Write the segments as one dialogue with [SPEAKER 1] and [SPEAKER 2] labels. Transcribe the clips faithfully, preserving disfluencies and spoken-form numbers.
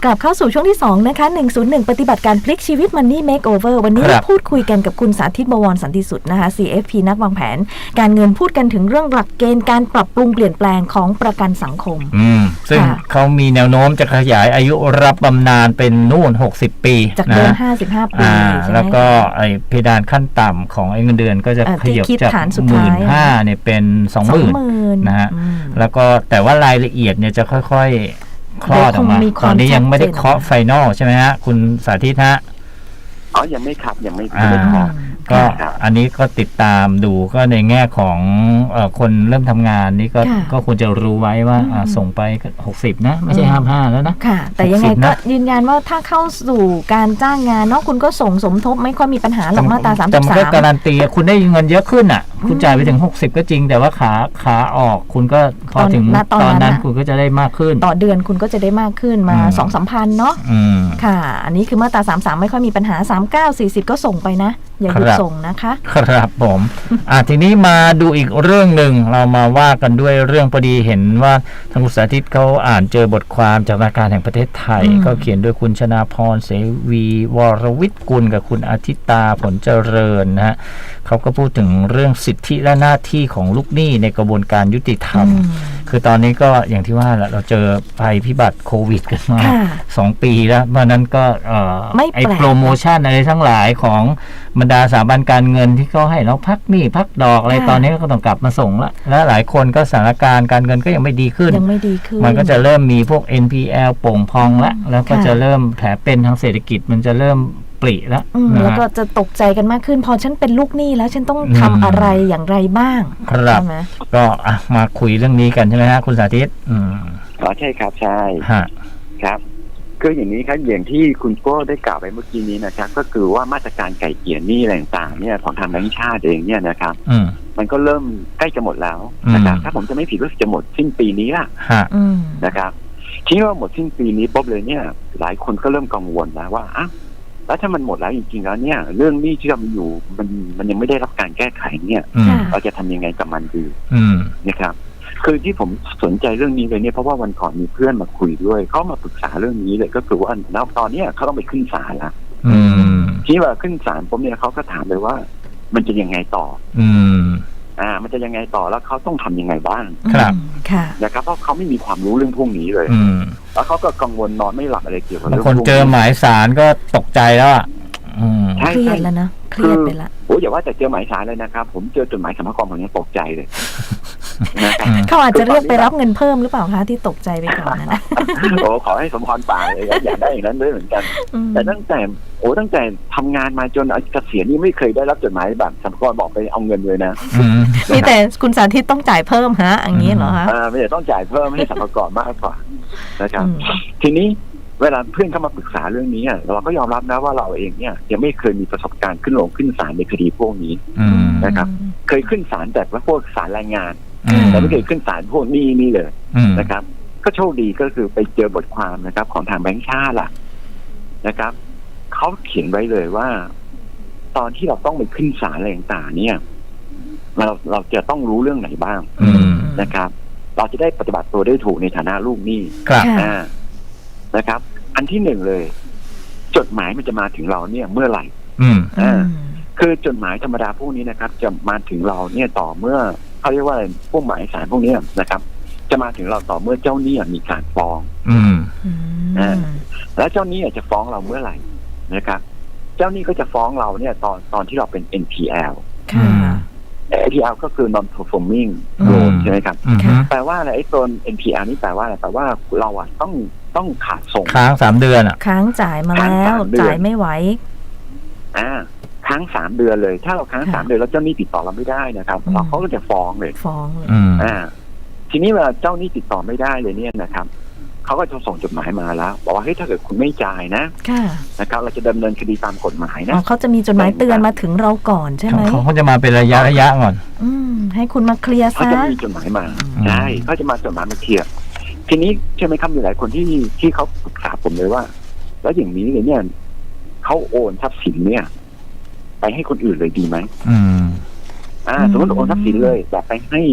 [SPEAKER 1] กลับเข้าสู่ช่วงที่สองนะคะหนึ่งศูนย์หนึ่งปฏิบัติการพลิกชีวิต Money Makeover วันนี้พูดคุยกันกับคุณสาธิต บวรสันติสุดนะคะ ซี เอฟ พี นักวางแผนการเงินพูดกันถึงเรื่องหลักเกณฑ์การปรับปรุงเปลี่ยนแปลงของประกันสังคม
[SPEAKER 2] อืมซึ่งเขามีแนวโน้มจะขยายอายุรับบำนาญเป็นนู่นหกสิบปี
[SPEAKER 1] จากเดิมห้าสิบห้าปีใช่ไหม
[SPEAKER 2] แล้วก็ไอ้เพดานขั้นต่ำของไอ้เงินเดือนก็จะขยับจากหมื่นห้าเนี่ยเป็นสองหมื่นนะฮะแล้วก็แต่ว่ารายละเอียดเนี่ยจะค่อยๆคลอดออกมาตอนนี้ยังไม่ได้เคาะไฟนอลใช่ไหมฮะคุณสาธิตฮะ
[SPEAKER 3] อ๋อยังไม่ครับยังไม่ได้เคาะ
[SPEAKER 2] ก็อันนี้ก็ติดตามดูก็ในแง่ของเอ่อคนเริ่มทำงานนี่ก็ก็ควรจะรู้ไว้ว่าส่งไปหกสิบนะไม่ใช่ห้าสิบห้าแล้วนะ
[SPEAKER 1] ค่ะแต่ยังไงก็ยืนยันว่าถ้าเข้าสู่การจ้างงานเนาะคุณก็ส่งสมทบไม่ค่อยมีปัญหาหรอกมาตราสามสิบสามแต่
[SPEAKER 2] มันก็การันตีคุณได้เงินเยอะขึ้นอ่ะคุณจ่ายไปถึงหกสิบก็จริงแต่ว่าขาขาออกคุณก็พอถึงตอนนั้นคุณก็จะได้มากขึ้น
[SPEAKER 1] ต่อเดือนคุณก็จะได้มากขึ้นมา สองถึงสามพัน เนาะค่ะอันนี้คือมาตราสามสิบสามไม่ค่อยมีปัญหาสามสิบเก้า สี่สิบก็ส่งไปนะอย่าหยุดส่งนะคะ
[SPEAKER 2] ครับผมอ่ะทีนี้มาดูอีกเรื่องหนึ่งเรามาว่ากันด้วยเรื่องพอดีเห็นว่าทางคุณสาธิตเขาอ่านเจอบทความจากธนาคารแห่งประเทศไทยก็เขียนโดยคุณชนาพรเสวีวรวิทย์กุลกับคุณอาทิตาผลเจริญนะฮะเขาก็พูดถึงเรื่องสิทธิและหน้าที่ของลูกหนี้ในกระบวนการยุติธรรมคือตอนนี้ก็อย่างที่ว่าแหละเราเจอภัยพิบัติโควิดกันมาสองปีแล้วเพราะนั้นก็ไอโปรโมชั่นอะไรทั้งหลายของบรรดาสถาบันการเงินที่เขาให้เราพักหนี้พักดอกอะไรตอนนี้ก็ต้องกลับมาส่งละและหลายคนก็สถานการณ์การเงินก็ยังไม่ดีขึ้น
[SPEAKER 1] ยังไม่ดีขึ้น
[SPEAKER 2] มันก็จะเริ่มมีพวก เอ็น พี แอล โป่งพองละแล้วก็จะเริ่มแผลเป็นทางเศรษฐกิจมันจะเริ่มปริแล้ว
[SPEAKER 1] แล้วก็จะตกใจกันมากขึ้นพอฉันเป็นลูกหนี้แล้วฉันต้องทำอะไรอย่างไรบ้าง
[SPEAKER 2] ครับก็อ่ะมาคุยเรื่องนี้กันใช่ไหมฮะคุณสาธิตอืม
[SPEAKER 3] อ๋อใช่ครับใช่ครับคืออย่างนี้ครับอย่างที่คุณโก้ได้กล่าวไปเมื่อกี้นี้นะครับก็คือว่ามาตรการไก่เกลี่ยหนี้อะไรต่างๆเนี่ยของทางแบงก์ชาติเองเนี่ยนะครับมันก็เริ่มใกล้จะหมดแล้วนะครับถ้าผมจะไม่ผิดก็จะหมดสิ้นปีนี้ละนะครับทีนี้ว่าหมดสิ้นปีนี้ปุ๊บเลยเนี่ยหลายคนก็เริ่มกังวลแล้วว่าอ้าวแล้วถ้ามันหมดแล้วจริงๆแล้วเนี่ยเรื่องหนี้ที่เรามีอยู่มันมันยังไม่ได้รับการแก้ไขเนี่ยเราจะทำยังไงกับมันดีนะครับคือที่ผมสนใจเรื่องนี้เลยเนี่ยเพราะว่าวันก่อนมีเพื่อนมาคุยด้วยเขามาปรึกษาเรื่องนี้เลยก็คือว่าณตอนนี้เขาต้องไปขึ้นศาลแล้วที่ว่าขึ้นศาลผมเนี่ยเขาก็ถามเลยว่ามันจะยังไงต่ออืมอ่ามันจะยังไงต่อแล้วเขาต้องทำยังไงบ้าง
[SPEAKER 2] ครับ
[SPEAKER 1] ค่ะ
[SPEAKER 3] นะครับเพราะเขาไม่มีความรู้เรื่องพวกนี้เลยแล้วเขาก็กังวลนอนไม่หลับอะไรเกี่ยวกับ
[SPEAKER 2] เรื่องคนเจอหมายศาลก็ตกใจแล้วอ่ะ
[SPEAKER 1] เครียดแล้วนะเครียดไปละ
[SPEAKER 3] โอ้อย่าว่าแต่เจอหมายศาลเลยนะครับผมเจอจดหมายสรรพากรผมยังตกใจเลย
[SPEAKER 1] เขาอาจจะเรียกไปรับเงินเพิ่มหรือเปล่าคะที่ตกใจไปก่อนนะ
[SPEAKER 3] โอ้ขอให้สมพรปากเลยอยากได้อย่างนั้นด้วยเหมือนกันแต่ตั้งแต่โอ้ตั้งแต่ทำงานมาจนเกษียณนี่ไม่เคยได้รับจดหมายแบบสรรพากรบอกไปเอาเงินเลยนะ
[SPEAKER 1] มีแต่คุณสาธิตต้องจ่ายเพิ่มฮะอย่างนี้เหรอคะ
[SPEAKER 3] ไม่ได้ต้องจ่ายเพิ่มให้สรรพากรมากกว่านะครับทีนี้เวลาเพื่อนเข้ามาปรึกษาเรื่องนี้เราก็ยอมรับนะว่าเราเองเนี่ยยังไม่เคยมีประสบการณ์ขึ้นลงขึ้นศาลในคดีพวกนี้นะครับเคยขึ้นศาลแต่ว่าพวกศาลแรงงานแต่ไม่เคยขึ้นศาลพวกนี้นี่เลยนะครับก็โชคดีก็คือไปเจอบทความนะครับของทางแบงก์ชาติล่ะนะครับเขาเขียนไว้เลยว่าตอนที่เราต้องไปขึ้นศาลอะไรต่างๆเนี่ยเราเราจะต้องรู้เรื่องไหนบ้างนะครับเราจะได้ปฏิบัติตัวได้ถูกในฐานะลูกหนี้นะครับอันที่หนึ่งเลยจดหมายมันจะมาถึงเราเนี่ยเมื่อไหร่อ่าคือจดหมายธรรมดาพวกนี้นะครับจะมาถึงเราเนี่ยต่อเมื่อเขาเรียกว่าพวกหมายสารพวกนี้นะครับจะมาถึงเราต่อเมื่อเจ้าหนี้มีการฟ้องอ่าแล้วเจ้าหนี้จะฟ้องเราเมื่อไหร่นะครับเจ้าหนี้ก็จะฟ้องเราเนี่ยตอนตอนที่เราเป็น เอ็น พี แอล
[SPEAKER 1] ค่ะ
[SPEAKER 3] เอ็น พี แอล ก็คือ non performing loan ใช่ไหมครับแปลว่าอะไรไอ้ตัว เอ็น พี แอล นี่แปลว่าอะไรแปลว่าเราอ่ะต้องต้องขาดส่ง
[SPEAKER 2] ค้างสามเดือนอ่ะ
[SPEAKER 1] ค้างจ่ายมาแล้วจ่ายไม่ไหว
[SPEAKER 3] อ่าค้างสามเดือนเลยถ้าเราค้างสามเดือนแล้วเจ้าหนี้ติดต่อเราไม่ได้นะครับเราเขาก็จะฟ้องเลย
[SPEAKER 1] ฟ้องเลย
[SPEAKER 3] อ่าทีนี้เวลาเจ้าหนี้ติดต่อไม่ได้เลยเนี่ยนะครับเขาก็จะส่งจดหมายมาแล้วบอกว่าเฮ้ยถ้าเกิดคุณไม่จ่ายนะนะครับเราจะดำเนินคดีตามกฎหมายนะ
[SPEAKER 1] เขาจะมีจดหมายเตือนมาถึงเราก่อนใช่ไหม
[SPEAKER 2] เขาจะมาเป็นระยะระยะก่อน
[SPEAKER 1] อืมให้คุณมาเคลียร์ซะ
[SPEAKER 3] เขาจะมีจดหมายมาใช่เขาจะมาจดหมายมาเคลียร์ทีนี้ใช่ไหมครับมีหลายคนที่ที่เขาปรึกษาผมเลยว่าแล้วอย่างนี้เลยเนี่ยเขาโอนทรัพย์สินเนี่ยไปให้คนอื่นเลยดีไหมอืมอ่าสมมติโอนทรัพย์สินเลยแบบไปให้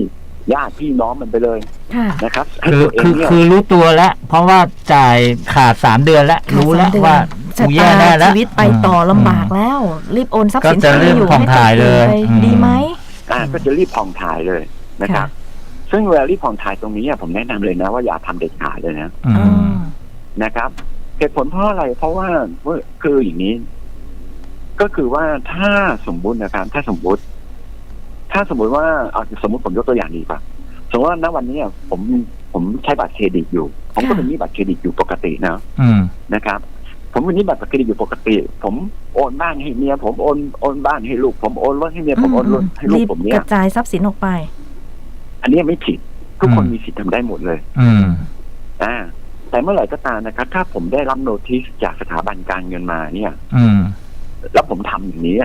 [SPEAKER 3] ญาติพี่น้องมันไปเลย
[SPEAKER 1] ค่ะ
[SPEAKER 3] นะครับให้
[SPEAKER 2] คือ
[SPEAKER 3] ตัวเอง
[SPEAKER 2] คือ
[SPEAKER 3] เนี่ย
[SPEAKER 2] คือรู้ตัวแล้ว เพราะว่าจ่ายขาดสามเดือนแล้ว รู้แล้วว่า
[SPEAKER 1] ชะ
[SPEAKER 2] กูแย่
[SPEAKER 1] ตา
[SPEAKER 2] แน่แล้ว
[SPEAKER 1] ชีวิตไปต่อลำบากแล้ว รีบโอนทรัพย์สิน
[SPEAKER 2] ก็จะ
[SPEAKER 1] ที่มีอยู่
[SPEAKER 2] เริ่มผ่อง
[SPEAKER 1] ให้
[SPEAKER 2] ถ่ายเลย
[SPEAKER 1] ไป
[SPEAKER 2] อืม
[SPEAKER 1] ดีไหม
[SPEAKER 3] อ่าก็จะรีบผ่องถ่ายเลยนะครับ ซึ่งเวลารีบผ่องถ่ายตรงนี้ผมแนะนำเลยนะว่าอย่าทำเด็ดขาดเลยนะ
[SPEAKER 2] อื
[SPEAKER 1] อ๋
[SPEAKER 2] ม
[SPEAKER 1] อ
[SPEAKER 3] นะครับเหตุผลเพราะอะไรเพราะว่าคืออย่างนี้ ก็คือว่าถ้าสมมุตินะครับถ้าสมมุติ ถ้าสมมุติว่าเอาสมมุติผมยกตัวอย่างดีกว่าสมมติว่าณวันนี้ผมผมใช้บัตรเครดิตอยู่ ผมก็เป็นหนี้บัตรเครดิตอยู่ปกตินะ
[SPEAKER 2] อืม
[SPEAKER 3] นะครับ ผมเป็นหนี้บัตรเครดิตอยู่ปกติ ผมโอนบ้านให้เมียผมโอนโอนบ้านให้ลูกผมโอนรถให้เมียผมโอนรถให้ลูก
[SPEAKER 1] รีบ
[SPEAKER 3] ผมเนี่
[SPEAKER 1] ก
[SPEAKER 3] ย
[SPEAKER 1] ระจายทรัพย์สินออกไป
[SPEAKER 3] อันนี้ไม่ผิดทุกคน
[SPEAKER 2] อืม
[SPEAKER 3] มีสิทธิ์ทำได้หมดเลย
[SPEAKER 2] อืม
[SPEAKER 3] อ่าแต่เมื่อไหร่ก็ตามนะครับ ถ้าผมได้รับโนติสจากสถาบันการเงินมาเนี่ย
[SPEAKER 2] อืม
[SPEAKER 3] แล้วผมทำอย่างนี้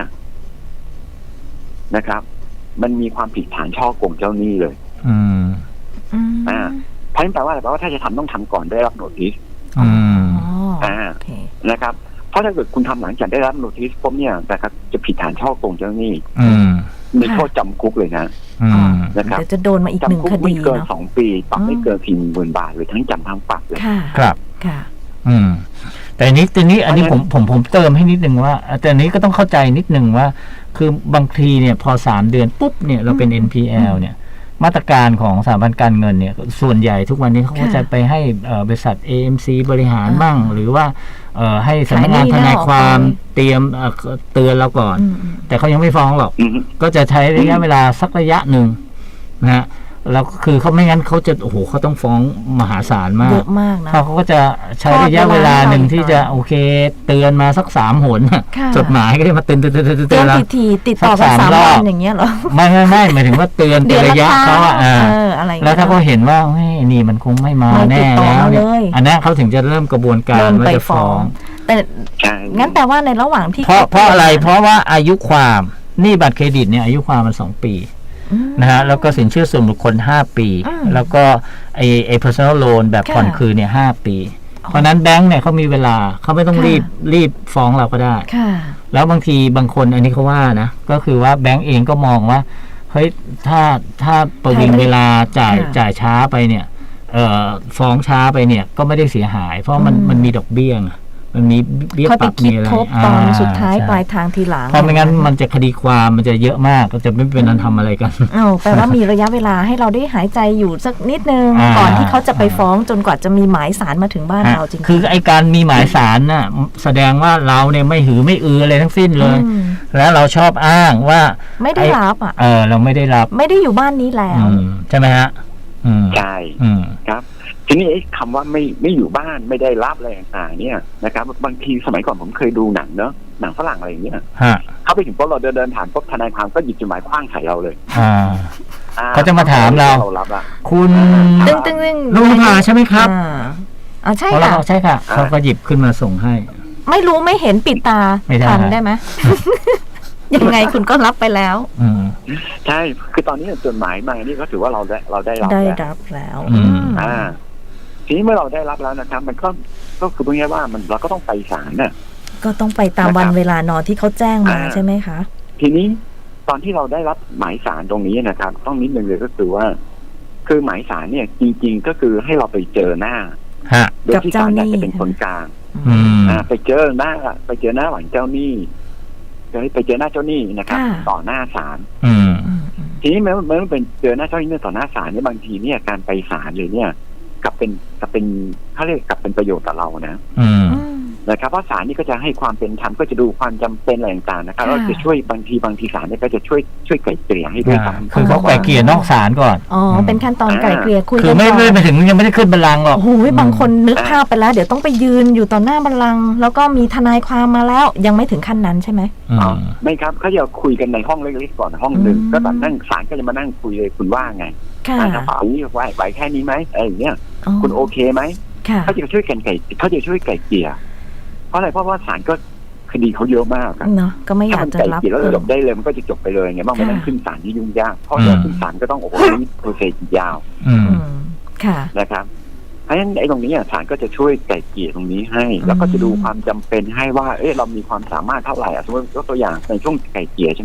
[SPEAKER 3] นะครับ มันมีความผิดฐานช่อโกงเจ้าหนี้เลย
[SPEAKER 2] อืม
[SPEAKER 1] อืม
[SPEAKER 3] อ่า เพราะฉะนั้นแปลว่าอะไรแปลว่าถ้าจะทำต้องทำก่อนได้รับโนติส
[SPEAKER 2] อืม
[SPEAKER 1] อ๋อ
[SPEAKER 3] อ่า
[SPEAKER 1] โอเค
[SPEAKER 3] นะครับ เพราะถ้าเกิดคุณทำหลังจากได้รับโนติสปุ๊บเนี่ยนะครับจะผิดฐานช่อโกงเจ้าหนี้
[SPEAKER 2] อืม
[SPEAKER 3] มีโทษจำคุกเลยนะ
[SPEAKER 2] อืม
[SPEAKER 3] นะครับ
[SPEAKER 1] เดี๋ยวจะโดนมาอีกหนึ่ง
[SPEAKER 3] จำคุก
[SPEAKER 1] ค
[SPEAKER 3] ไม่
[SPEAKER 1] ดี
[SPEAKER 3] เกิน
[SPEAKER 1] เนาะ
[SPEAKER 3] สองปีปรับไม่
[SPEAKER 1] อืม
[SPEAKER 3] เกินสี่หมื่นบาทหรือทั้งจำทั้งปรับเลย
[SPEAKER 1] ค่ะ
[SPEAKER 2] ครับ
[SPEAKER 1] ค่ะ
[SPEAKER 2] อืม แต่อันนี้ทีนี้อันนี้
[SPEAKER 3] เพ
[SPEAKER 2] ผ
[SPEAKER 3] ราะ
[SPEAKER 2] ม
[SPEAKER 3] ฉะนั้น
[SPEAKER 2] ผมผมเติมให้นิดนึงว่า แต่อันนี้ก็ต้องเข้าใจนิดนึงว่า คือบางทีเนี่ยพอสามเดือนปุ๊บเนี่ยเราเป็น
[SPEAKER 1] อืม
[SPEAKER 2] เอ็น พี แอล เนี่ย มาตรการของสถาบันการเงินเนี่ย ส่วนใหญ่ทุกวันนี้เขาก็
[SPEAKER 1] ค่ะ
[SPEAKER 2] จะไปให้เอ่อบริษัท เอ เอ็ม ซี บริหาร
[SPEAKER 1] อ่า
[SPEAKER 2] บ้าง หรือว่าเอ่อให้สำนักงาน
[SPEAKER 1] ขายหนี้
[SPEAKER 2] ทนายความ
[SPEAKER 1] แล้วออกไป
[SPEAKER 2] เตรียมเอ่อเตือนเราก่อน
[SPEAKER 1] อืมอืม
[SPEAKER 2] แต่เขายังไม่ฟ้องหรอก
[SPEAKER 3] อืม
[SPEAKER 2] ก็จะใช้ระยะเวลาสักระยะหนึ่งนะฮะแล้วคือเขาไม่งั้นเขาจะโอ้โหเขาต้องฟ้องมหาศาลมา
[SPEAKER 1] เย
[SPEAKER 2] ก
[SPEAKER 1] อะมากนะ
[SPEAKER 2] เขาเขาก็จะใช้ระยะเวลาหนึ่งที่จะโอเค เตือนมาสักสามหน
[SPEAKER 1] ค่ะ
[SPEAKER 2] จดหมายก็จะมาเตือนเตือนเตือนเตือน
[SPEAKER 1] เตื
[SPEAKER 2] เตื
[SPEAKER 1] อ
[SPEAKER 2] อน นเรา
[SPEAKER 1] ทีทีๆติดต่อกัน
[SPEAKER 2] สักสาม
[SPEAKER 1] สาม
[SPEAKER 2] รอบ
[SPEAKER 1] วันอย่างเงี้ยเหรอ
[SPEAKER 2] ไม่ไม่ไม่หมายถึงว่าเตือนเป็นระยะ
[SPEAKER 1] ค
[SPEAKER 2] เขา
[SPEAKER 1] รั้
[SPEAKER 2] อะ
[SPEAKER 1] ง
[SPEAKER 2] อ่า
[SPEAKER 1] เอออะไรอย่ง
[SPEAKER 2] แล้ว
[SPEAKER 1] เงี้ย
[SPEAKER 2] ถ้าเขาเห็นว่าเฮ้ยนี่มันคงไม่มา
[SPEAKER 1] ไม่ติ
[SPEAKER 2] แน่
[SPEAKER 1] ดต่อ
[SPEAKER 2] แล้ว
[SPEAKER 1] มา
[SPEAKER 2] เนี่ย
[SPEAKER 1] เลย
[SPEAKER 2] อันนั้นเขาถึงจะเริ่มกระบวนการ
[SPEAKER 1] เริ่ม
[SPEAKER 2] ว่า
[SPEAKER 1] ไป
[SPEAKER 2] จะ
[SPEAKER 1] ฟ้
[SPEAKER 2] ฟ้
[SPEAKER 1] อ
[SPEAKER 2] อง ง
[SPEAKER 1] แต่
[SPEAKER 3] ใช่
[SPEAKER 1] งั้นแต่ว่าในระหว่างที่
[SPEAKER 2] เพราะเพราะอะไรเพราะว่าอายุความหนี้บัตรเครดิตเนี่ยอายุความมันสองปี
[SPEAKER 1] อืม
[SPEAKER 2] นะฮะแล้วก็สินเชื่อส่วนบุคคลห้าปี
[SPEAKER 1] อืม
[SPEAKER 2] แล้วก็ไอไอ personal loan แบบ
[SPEAKER 1] ค่ะ
[SPEAKER 2] ผ่อนคืนเนี่ยห้าปี
[SPEAKER 1] อ๋อ
[SPEAKER 2] เพราะนั้นแบงค์เนี่ยเขามีเวลาเขาไม่ต้อง
[SPEAKER 1] ค่ะ
[SPEAKER 2] รีบรีบฟ้องเราก็ได้
[SPEAKER 1] ค่ะ
[SPEAKER 2] แล้วบางทีบางคนอันนี้เขาว่านะก็คือว่าแบงก์เองก็มองว่าเฮ้ยถ้าถ้าประวิงเวลาจ่าย
[SPEAKER 1] ค่ะ
[SPEAKER 2] จ่ายช้าไปเนี่ยเอ่อฟ้องช้าไปเนี่ยก็ไม่ได้เสียหาย เพราะมัน
[SPEAKER 1] อืม
[SPEAKER 2] มันมีดอกเบี้ยไงมันมีเบี้ย
[SPEAKER 1] ค่อย
[SPEAKER 2] ป
[SPEAKER 1] ไป
[SPEAKER 2] รับ
[SPEAKER 1] คิ
[SPEAKER 2] มี
[SPEAKER 1] ด
[SPEAKER 2] อะไร
[SPEAKER 1] ทบตอน
[SPEAKER 2] อ่
[SPEAKER 1] สุดท้าย
[SPEAKER 2] ใช่
[SPEAKER 1] ปลายทางทีหลัง
[SPEAKER 2] เพราะไม่งั้นมันจะคดีความมันจะเยอะมากก็จะไม่เป็นอันทำอะไรกัน
[SPEAKER 1] อ้าวแปลว่ามีระยะเวลาให้เราได้หายใจอยู่สักนิดนึง
[SPEAKER 2] อ่า
[SPEAKER 1] ก่อนที่เขาจะไปฟ้องจนกว่าจะมีหมายสารมาถึงบ้าน
[SPEAKER 2] ฮะ
[SPEAKER 1] เราจริงๆ
[SPEAKER 2] คือไอการมีหมายสารน่ะแสดงว่าเราเนี่ยไม่หือไม่อืออะไรทั้งสิ้นเลย
[SPEAKER 1] อืม
[SPEAKER 2] แล้วเราชอบอ้างว่า
[SPEAKER 1] ไม่ได้รับอ่ะ
[SPEAKER 2] เออเราไม่ได้รับ
[SPEAKER 1] ไม่ได้อยู่บ้านนี้แล้ว
[SPEAKER 2] อืมใช่ไหมฮะอืม
[SPEAKER 3] ใช่
[SPEAKER 2] อืม
[SPEAKER 3] ครับ ทีนี้ไอ้คำว่าไม่ไม่อยู่บ้านไม่ได้รับอะไรต่างๆเนี่ยนะครับ บางทีสมัยก่อนผมเคยดูหนังเนอะหนังฝรั่งอะไรอย่างเงี้ย
[SPEAKER 2] ฮะ
[SPEAKER 3] เข้าไปถึงปุ๊บเราเดินเดินผ่านปุ๊บทนายความก็หยิบจดหมายคว้างใส่เราเลย
[SPEAKER 2] อ่า
[SPEAKER 3] อ่
[SPEAKER 2] เขาจะมาถามเรา
[SPEAKER 3] เรารับละ
[SPEAKER 2] คุณ
[SPEAKER 1] ตึ้งตึ้งตึ้ง
[SPEAKER 2] ลุงพาใช่ไหมครับ
[SPEAKER 1] อ่าอ๋อใช่
[SPEAKER 2] เพราะเรา
[SPEAKER 1] ค่ะ
[SPEAKER 2] ใช่ค่ะเขาก็หยิบขึ้นมาส่งให้
[SPEAKER 1] ไม่รู้ไม่เห็นปิดตา
[SPEAKER 2] ไม่ได้
[SPEAKER 1] ทันได้ไหม ยังไงคุณก็รับไปแล้ว
[SPEAKER 2] อืม
[SPEAKER 3] ใช่ คือตอนนี้จดหมายมานี่ก็ถือว่าเราได้เราได้รับ
[SPEAKER 1] ได้
[SPEAKER 3] แล้ว
[SPEAKER 1] รับแล้ว
[SPEAKER 2] อืม
[SPEAKER 1] อืม
[SPEAKER 3] อ่า ทีนี้เมื่อเราได้รับแล้วนะครับ มันก็ก็คือพูดง่ายๆว่ามันเราก็ต้องไปศาลน่ะ
[SPEAKER 1] ก็ต้องไปตาม
[SPEAKER 3] นะครับ
[SPEAKER 1] วันเวลานอนที่เขาแจ้งมา
[SPEAKER 3] อ่า
[SPEAKER 1] ใช่ไหมคะ
[SPEAKER 3] ทีนี้ตอนที่เราได้รับหมายสารตรงนี้นะครับ ต้องนิดนึงเลยก็คือว่า คือหมายสารเนี่ย จริง ๆ ก็คือให้เราไปเจอหน้า
[SPEAKER 2] ฮะ
[SPEAKER 3] โดยที่ศาลเนี่ยจะเป็นคนกลาง
[SPEAKER 2] อืม
[SPEAKER 3] อ่า ไปเจอหน้า ไปเจอหน้าหวังเจ้าหนี้ไปเจอหน้าเจ้าหนี้นะครับ
[SPEAKER 1] ค่ะ
[SPEAKER 3] ต่อหน้าศาล
[SPEAKER 2] อืม
[SPEAKER 1] อืมอืม
[SPEAKER 3] ทีนี้เมื่อเมื่อเป็นเจอหน้าเจ้าหนี้ต่อหน้าศาลเนี่ยบางทีเนี่ยการไปศาลเลยเนี่ยกลับเป็นกลับเป็นเขาเรียกกลับเป็นประโยชน์ต่อเรานะ
[SPEAKER 2] อืม
[SPEAKER 1] อืม
[SPEAKER 3] นะครับเพราะศาลนี่ก็จะให้ความเป็นธรรมก็จะดูความจำเป็นอะไรต่างๆนะครับ
[SPEAKER 1] ค่ะ
[SPEAKER 3] แล้วจะช่วยบางทีบางทีศาลเนี่ยก็จะช่วยช่วยไกล่เกลี่ยให้ด้วย
[SPEAKER 2] อ่า
[SPEAKER 3] ซ้ำ
[SPEAKER 2] คือเขาไกล่เกลี่ยนอกศาลก่อน
[SPEAKER 1] อ๋อเป็นขั้นตอนไกล่เกลี่ยคุย
[SPEAKER 2] คื
[SPEAKER 1] กั
[SPEAKER 2] อน ไม่
[SPEAKER 1] ก่อน
[SPEAKER 2] ไม่ไปถึงยังไม่ได้ขึ้นบัลลังก์หรอก
[SPEAKER 1] โอ้โหบางคนนึกภาพไปแล้ว เดี๋ยวต้องไปยืนอยู่ต่อหน้าบัลลังก์แล้วก็มีทนายความมาแล้ว ยังไม่ถึงขั้นนั้นใช่ไหม
[SPEAKER 2] อืม
[SPEAKER 3] อ๋อไม่ครับเขาจะคุยกันในห้องเล็กๆก่อนห้องหนึ่ง
[SPEAKER 1] อืม
[SPEAKER 3] ก็แบบนั่งศาลก็จะมานั่งคุยเลยคุณว่าไง
[SPEAKER 1] ค่ะ
[SPEAKER 3] อ่ากระเป๋านี้ไหวไหวแค่นี้ไหมอะไรอย่างเงี้ยคุณโอเคไหม
[SPEAKER 1] ค่ะ
[SPEAKER 3] เขาจะช่วยกันไก่เขาจะช่วยไก่เกลี่ยเพราะอะไรเพราะว่าศาลก็คดีเขาเยอะมากอะ
[SPEAKER 1] เนาะก็ไม่อาก
[SPEAKER 3] ถ้ายมัน
[SPEAKER 1] จะ
[SPEAKER 3] ไก่
[SPEAKER 1] รับ
[SPEAKER 3] เกลี่ยแล้วจบได้เลยมันก็จะจบไปเลยไงบ้างไม่ต้องขึ้นศาลที่ยุ่งยากเพราะเวลาขึ้นศาลก็ต้องโอ้โหนี่โปรเซสยาว
[SPEAKER 2] อืม
[SPEAKER 1] อืมค่ะ
[SPEAKER 3] นะครับเพราะฉะนั้นไอ้ตรงนี้อ่ะศาลก็จะช่วยไก่เกลี่ยตรงนี้ให้ แล้วก็จะดูความจำเป็นให้ว่าเอ๊ะเรามีความสามารถเท่าไหร่อ่ะสมมติยกตัวอย่างในช่วงไก่เกลี่ยใช่ไหมครับ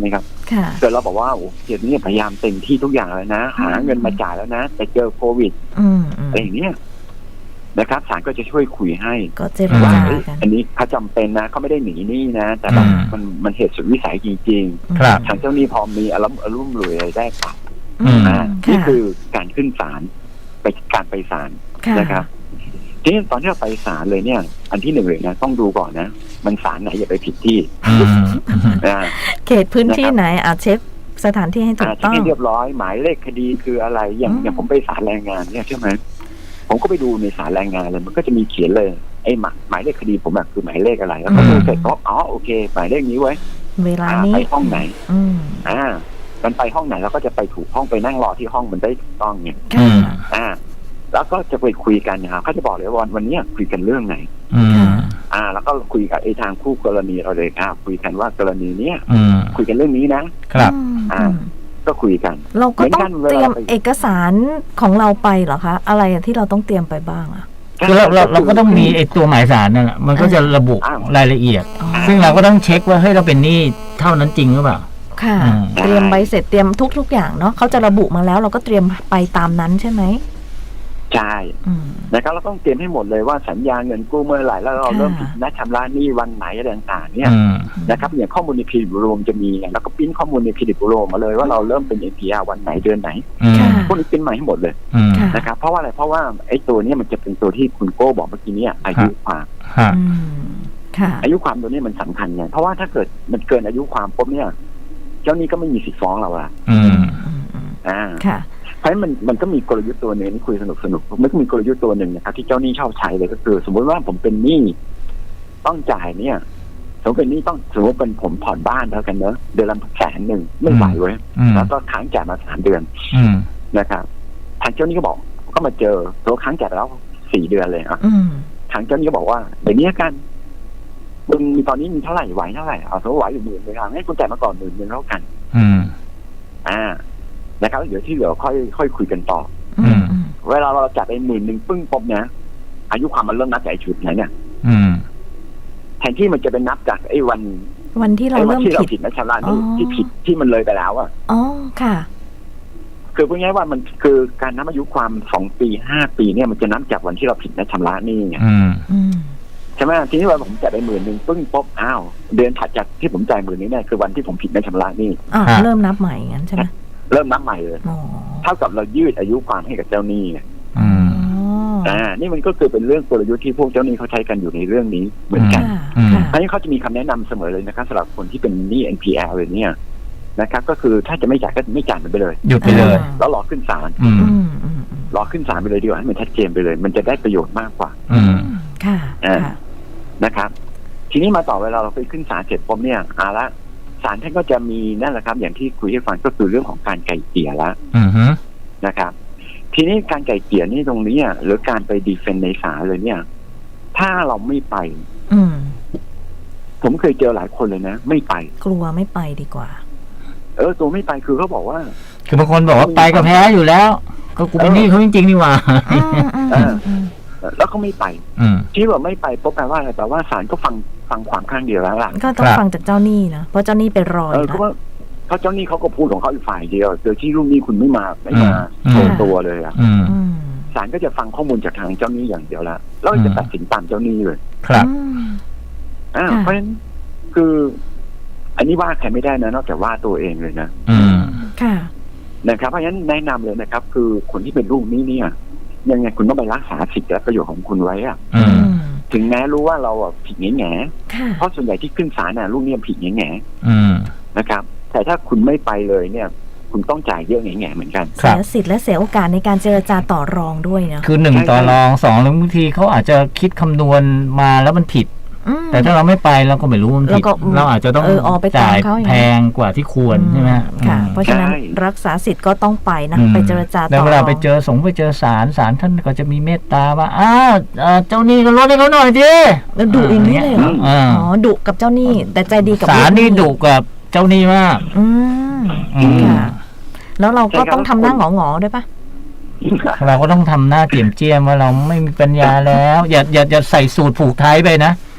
[SPEAKER 1] ค่ะ
[SPEAKER 3] เกิดเราบอกว่าโอ้เดี๋ยวนี้พยายามเต็มที่ทุกอย่างแล้วนะหาเงินมาจ่ายแล้วนะแต่เจอโควิด
[SPEAKER 1] อืมอืม
[SPEAKER 3] อะไรอย่างเงี้ยนะครับศาลก็จะช่วยคุยให้
[SPEAKER 1] ก็เจร
[SPEAKER 3] ว่า
[SPEAKER 1] จา
[SPEAKER 3] เอ้ย
[SPEAKER 1] กัน
[SPEAKER 3] อันนี้เขาจำเป็นนะเขาไม่ได้หนีหนี้นะ แต่แบบ
[SPEAKER 2] อืม
[SPEAKER 3] มันมันเหตุสุดวิสัยจริง
[SPEAKER 2] ครับ
[SPEAKER 3] ๆทางเจ้าหนี้พอมีอารมณ์อารมณ์รวยอะไรได้ปรับ
[SPEAKER 1] อืม
[SPEAKER 3] อ่า
[SPEAKER 1] ค่ะ
[SPEAKER 3] นี่คือการขึ้นศาลไปการไปศาล
[SPEAKER 1] ค่ะ
[SPEAKER 3] นะครับทีนี้ตอนที่เราไปศาลเลยเนี่ย อันที่หนึ่งเลยนะต้องดูก่อนนะ มันศาลไหนอย่าไปผิดที่
[SPEAKER 2] อืม
[SPEAKER 3] อ่า
[SPEAKER 1] เขตพื้นที่ไหนอาจเช็คสถานที่ให้ถู
[SPEAKER 3] อ่าก
[SPEAKER 1] ต้อง
[SPEAKER 3] ที่เรียบร้อยหมายเลขคดีคืออะไรอย่าง
[SPEAKER 1] อืม
[SPEAKER 3] อย่างผมไปศาลแรงงานเนี่ยใช่ไหมผมก็ไปดูในศาลแรงงานเลยมันก็จะมีเขียนเลยไอ้หมายหมายเลขคดีผมอะคือหมายเลขอะไรแล้วก็ดูเสร็จก็อ๋อโอเคหมายเลขนี้ไว้
[SPEAKER 1] เวลา
[SPEAKER 3] อ่า
[SPEAKER 1] นี้
[SPEAKER 3] ไปห้องไหน
[SPEAKER 1] อืม
[SPEAKER 3] อ่ามันไปห้องไหนเราก็จะไปถูกห้องไปนั่งรอที่ห้องมันได้ถูกต้องเนี่ย
[SPEAKER 2] อื
[SPEAKER 1] ค่ะ
[SPEAKER 2] ม
[SPEAKER 3] อ่า แล้วก็จะไปคุยกันนะครับเขาจะบอกเลยว่าวันวันเนี้ยคุยกันเรื่องไหน
[SPEAKER 2] อืม
[SPEAKER 3] อ่า แล้วก็คุยกับไอ้ทางคู่กรณีเราเลยอ่าคุยกันว่ากรณีเนี้ย
[SPEAKER 2] อืม
[SPEAKER 3] คุยกันเรื่องนี้นะครับ
[SPEAKER 1] อืม
[SPEAKER 3] อ่า ก็คุยกัน
[SPEAKER 1] เราก็ต้อง
[SPEAKER 3] เหมือนกันเวลา
[SPEAKER 1] เตรียม
[SPEAKER 3] ไป
[SPEAKER 1] เอกสารของเราไปเหรอคะ อะไรอะที่เราต้องเตรียมไปบ้างอะ
[SPEAKER 2] คือเราเราเราก็ต้องมีไอ้ตัวหมายสารนั่นแหละมันก็จะระบุ
[SPEAKER 3] อ้าว
[SPEAKER 2] รายละเอียด
[SPEAKER 1] อ๋อ
[SPEAKER 2] ซึ่งเราก็ต้องเช็คว่าเฮ้ยเราเป็นหนี้เท่านั้นจริงหรือเปล่า
[SPEAKER 1] ค่ะ
[SPEAKER 2] อืม
[SPEAKER 1] เตรียมใบเสร็จเตรียมทุก ๆ อย่างเนาะเขาจะระบุมาแล้วเราก็เตรียมไปตามนั้นใช่ไหม
[SPEAKER 3] ใช่
[SPEAKER 1] อืม
[SPEAKER 3] นะครับเราต้องเตรียมให้หมดเลยว่าสัญญาเงินกู้เมื่อไหร่แล้วเรา
[SPEAKER 1] ค่ะ
[SPEAKER 3] เริ่มผิดนัดชำระหนี้วันไหนอะไรต่างๆเนี่ย
[SPEAKER 2] อืม
[SPEAKER 3] นะครับอย่างข้อมูลในพีดิบรวมจะมีไงแล้วก็ปริ้นข้อมูลในพีดิบรวมมาเลยว่าเราเริ่มเป็น เอ็น พี อาร์ วันไหนเดือนไหน
[SPEAKER 2] อืม
[SPEAKER 1] ค่ะ
[SPEAKER 3] พวกนี้ปริ้นมาให้หมดเลย
[SPEAKER 2] อืม
[SPEAKER 1] ค่ะ
[SPEAKER 3] นะครับเพราะว่าอะไรเพราะว่าไอ้ตัวเนี้ยมันจะเป็นตัวที่คุณโก้บอกเมื่อกี้เนี่ยอายุความ
[SPEAKER 2] ฮะ
[SPEAKER 1] อืมค่ะ
[SPEAKER 3] อายุความตัวนี้มันสำคัญไงเพราะว่าถ้าเกิดมันเกินอายุความปุ๊บเนี่ย เจ้าหนี้ก็ไม่มีสิทธิ์ฟ้องเราละ
[SPEAKER 2] อืม
[SPEAKER 1] อืมอืม
[SPEAKER 3] อ่า
[SPEAKER 1] ค่ะ
[SPEAKER 3] เพราะฉะนั้นมันมันก็มีกลยุทธ์ตัวหนึงที่คุยสนุกสนุกมันก็มีกลยุทธ์ตัวหนึ่งนะครับที่เจ้าหนี้ชอบใช้เลยก็คือ สมมติว่าผมเป็นหนี้ต้องจ่ายเนี่ยสมมติเป็นหนี้ต้องสมมติเป็นผมผ่อนบ้านแล้วกันเนอะเดือนละแสนหนึ่งไม่ไหวเว้ย
[SPEAKER 2] อืม
[SPEAKER 3] แล้วก็ค้างจ่ายมาสามเดือน
[SPEAKER 2] อืม
[SPEAKER 3] นะครับทางเจ้าหนี้ก็บอกก็มาเจอตัวค้างจ่ายไปแล้วสี่เดือนเลยอ่ะ
[SPEAKER 1] อืม
[SPEAKER 3] ทางเจ้าหนี้ก็บอกว่าเดี๋ยวนี้กันมึงมีตอนนี้มีเท่าไหร่ไหวเท่าไหร่เอาสมมติไหวอยู่หมื่นเลยครับให้คุณจ่ายมาก่อนหมื่นหนึ่งแล้วกัน
[SPEAKER 2] อืม
[SPEAKER 3] อ่านะครับเดี๋ยวที่เหลือค่อยค่อยคุยกันต่อ
[SPEAKER 1] อืมอืม
[SPEAKER 3] เวลาเราจัดไปหมื่นหนึ่งปึ้งปุ๊บนะอายุความมันเริ่มนับจากไอ้ชุดไหนเนี่ย
[SPEAKER 2] อืม
[SPEAKER 3] แทนที่มันจะเป็นนับจากไอ้วัน
[SPEAKER 1] วันที่เรา
[SPEAKER 3] ไอ้วั
[SPEAKER 1] เริ่ม
[SPEAKER 3] ที่เรา
[SPEAKER 1] ผิด
[SPEAKER 3] ผิดนะชำระหนี่
[SPEAKER 1] อ๋อ
[SPEAKER 3] ที่ผิดที่มันเลยไปแล้วอ่ะ
[SPEAKER 1] อ๋อค่ะ
[SPEAKER 3] คือพูดง่ายๆว่ามันคือการนับอายุความสองปีห้าปีเนี่ยมันจะนับจากวันที่เราผิดนะชำระหนี่ไง
[SPEAKER 2] อืม
[SPEAKER 1] อืม
[SPEAKER 3] ใช่ไหมทีนี้ว่าผมจ่ายไปหมื่นหนึ่งปึ้งปุ๊บอ้าวเดือนถัดจากที่ผมจ่ายหมื่นนี้เนี่ยคือวันที่ผมผิดนะชำระหนี่
[SPEAKER 1] อ่า
[SPEAKER 2] ฮะ
[SPEAKER 1] เริ่มนับใหม่งั้นใช่ไหม
[SPEAKER 3] เริ่มนับใหม่เลย
[SPEAKER 1] อ๋อ
[SPEAKER 3] เท่ากับเรายืดอายุความให้กับเจ้าหนี้ไง
[SPEAKER 2] อืม
[SPEAKER 3] อ่านี่มันก็คือเป็นเรื่องกลยุทธ์ที่พวกเจ้าหนี้เขาใช้กันอยู่ในเรื่องนี้เหมือนกัน
[SPEAKER 1] ค่ะ
[SPEAKER 2] อืม
[SPEAKER 1] ค่ะ
[SPEAKER 3] เพราะฉะนั้นเขาจะมีคำแนะนำเสมอเลยนะครับสำหรับคนที่เป็นหนี้ เอ็น พี แอล เลยเนี่ยนะครับก็คือถ้าจะไม่จ่ายก็ไม่จ่ายมันไปเลย
[SPEAKER 2] หยุดไปเลย
[SPEAKER 3] แล้วรอขึ้นศาล
[SPEAKER 2] อืม
[SPEAKER 1] อืมอืมอืม
[SPEAKER 3] รอขึ้นศาลไปเลยดีกว่าให้มันชัดเจนไปเลย มันจะได้ประโยชน์มากกว่า
[SPEAKER 2] อืม
[SPEAKER 1] ค่ะ
[SPEAKER 3] อ่า
[SPEAKER 1] ค่ะ
[SPEAKER 3] นะครับ ทีนี้มาต่อเวลาเราไปขึ้นศาลเสร็จปุ๊บเนี่ยเอาละศาลท่านก็จะมีนั่นแหละครับ อย่างที่คุยให้ฟังก็คือเรื่องของการไกล่เกลี่ยละ
[SPEAKER 2] อืมฮึ
[SPEAKER 3] นะครับ ทีนี้การไกล่เกลี่ยนี่ตรงนี้อ่ะหรือการไปดีเฟนต์ในศาลเลยเนี่ย ถ้าเราไม่ไป
[SPEAKER 1] อืม
[SPEAKER 3] ผมเคยเจอหลายคนเลยนะ ไม่ไป
[SPEAKER 1] กลัวไม่ไปดีกว่า
[SPEAKER 3] เออตัวไม่ไปคือเขาบอกว่า
[SPEAKER 2] คือบางคนบอกว่าไปก็แพ้อยู่แล้ว ก็กูเป็นหนี้เขาจริงๆนี่หว่า
[SPEAKER 1] อืมอืมอืมอืม
[SPEAKER 3] แล้วก็ไม่ไป
[SPEAKER 2] อืม
[SPEAKER 3] ที่ว่าไม่ไปปุ๊บแปลว่าอะไรแปลว่าศาลก็ฟังฟังความข้างเดียวแล้วล่ะ
[SPEAKER 1] ก็ต้อง
[SPEAKER 2] ครับ
[SPEAKER 1] ฟังจากเจ้าหนี้นะเพราะเจ้าหนี้ไปรอ
[SPEAKER 3] เอ
[SPEAKER 1] อ
[SPEAKER 3] อยู่ เพ
[SPEAKER 1] แล้ว
[SPEAKER 3] ราะว่าเขาเจ้าหนี้เขาก็พูดของเขาอีกฝ่ายเดียวโดยที่ลูกหนี้คุณไม่มาไม่มา
[SPEAKER 2] อืม
[SPEAKER 3] โชว์ตัวเลยอ่ะ
[SPEAKER 2] อืม
[SPEAKER 1] อืม
[SPEAKER 3] ศาลก็จะฟังข้อมูลจากทางเจ้าหนี้อย่างเดียวละแล้วก็จะตัดสินตามเจ้าหนี้เลย
[SPEAKER 2] ครับ
[SPEAKER 1] อืม
[SPEAKER 3] อ่า
[SPEAKER 1] ค่ะ
[SPEAKER 3] เพราะฉะนั้นคือ อันนี้ว่าใครไม่ได้นะนอกจากว่าตัวเองเลยนะ
[SPEAKER 2] อืม
[SPEAKER 1] ค่ะ
[SPEAKER 3] นะครับเพราะฉะนั้นแนะนำเลยนะครับ คือคนที่เป็นลูกหนี้เนี่ยยังไงคุณต้องไปรักษาสิทธิและประโยชน์ของคุณไว้อะ
[SPEAKER 2] อื
[SPEAKER 1] อื
[SPEAKER 2] ม
[SPEAKER 1] ม
[SPEAKER 3] ถึงแม้รู้ว่าเราอ่ะผิดแง่แง่
[SPEAKER 1] ค่ะ
[SPEAKER 3] เพราะส่วนใหญ่ที่ขึ้นศาลน่ะลูกหนี้ผิดแง่แง่
[SPEAKER 2] อืม
[SPEAKER 3] นะครับ แต่ถ้าคุณไม่ไปเลยเนี่ย คุณต้องจ่ายเยอะแง่แง่เหมือนกัน
[SPEAKER 2] ครั
[SPEAKER 1] เสี
[SPEAKER 2] บ
[SPEAKER 1] ยสิทธิ์และเสียโอกาสในการเจรจาต่อรองด้วยเนาะ
[SPEAKER 2] คือหนึ่งต่อรองสองแล้วบางทีเขาอาจจะคิดคำนวณมาแล้วมันผิด
[SPEAKER 1] อืม
[SPEAKER 2] แต่ถ้าเราไม่ไปเราก็ไม่รู้มันผิด
[SPEAKER 1] แล้วก็
[SPEAKER 2] เราอาจจะต้อง
[SPEAKER 1] เออออกไปตาม
[SPEAKER 2] จ่าย
[SPEAKER 1] เขาอย่างนั้น
[SPEAKER 2] แพงกว่าที่ควรใช่ไหมฮะ
[SPEAKER 1] ค่ะ
[SPEAKER 2] อืม
[SPEAKER 1] เพราะฉะนั้น
[SPEAKER 3] ใช่
[SPEAKER 1] รักษาสิทธิ์ก็ต้องไปนะ
[SPEAKER 2] อืม
[SPEAKER 1] ไปเจรจาต่อร
[SPEAKER 2] แล้
[SPEAKER 1] อ
[SPEAKER 2] ว
[SPEAKER 1] ง
[SPEAKER 2] เวลาไปเจอสงฆ์ไปเจอศาลศาลท่านก็จะมีเมตตาว่าอ้าวเอ่อเจ้าหนี้ก็ลดให้เขาหน่อยดิ
[SPEAKER 1] แล้วดุอย่างนี้เลยเหรอ
[SPEAKER 2] อ่า
[SPEAKER 1] อ๋อดุกับเจ้าหนี้แต่ใจดีกับ
[SPEAKER 2] ศาล
[SPEAKER 1] ลูกห
[SPEAKER 2] นี่ดุกับเจ้าหนี้มาก
[SPEAKER 1] อืม
[SPEAKER 2] อืม
[SPEAKER 1] ค่ะ แล้วเราก็ต้องทำหน้าหงอๆด้วยปะ
[SPEAKER 2] เราก็ต้องทำหน้าเจียมเจียมว่าเราไม่มีปัญญาแล้ว อย่าอย่าอย่าใส่สูตรผูกไทยไปนะ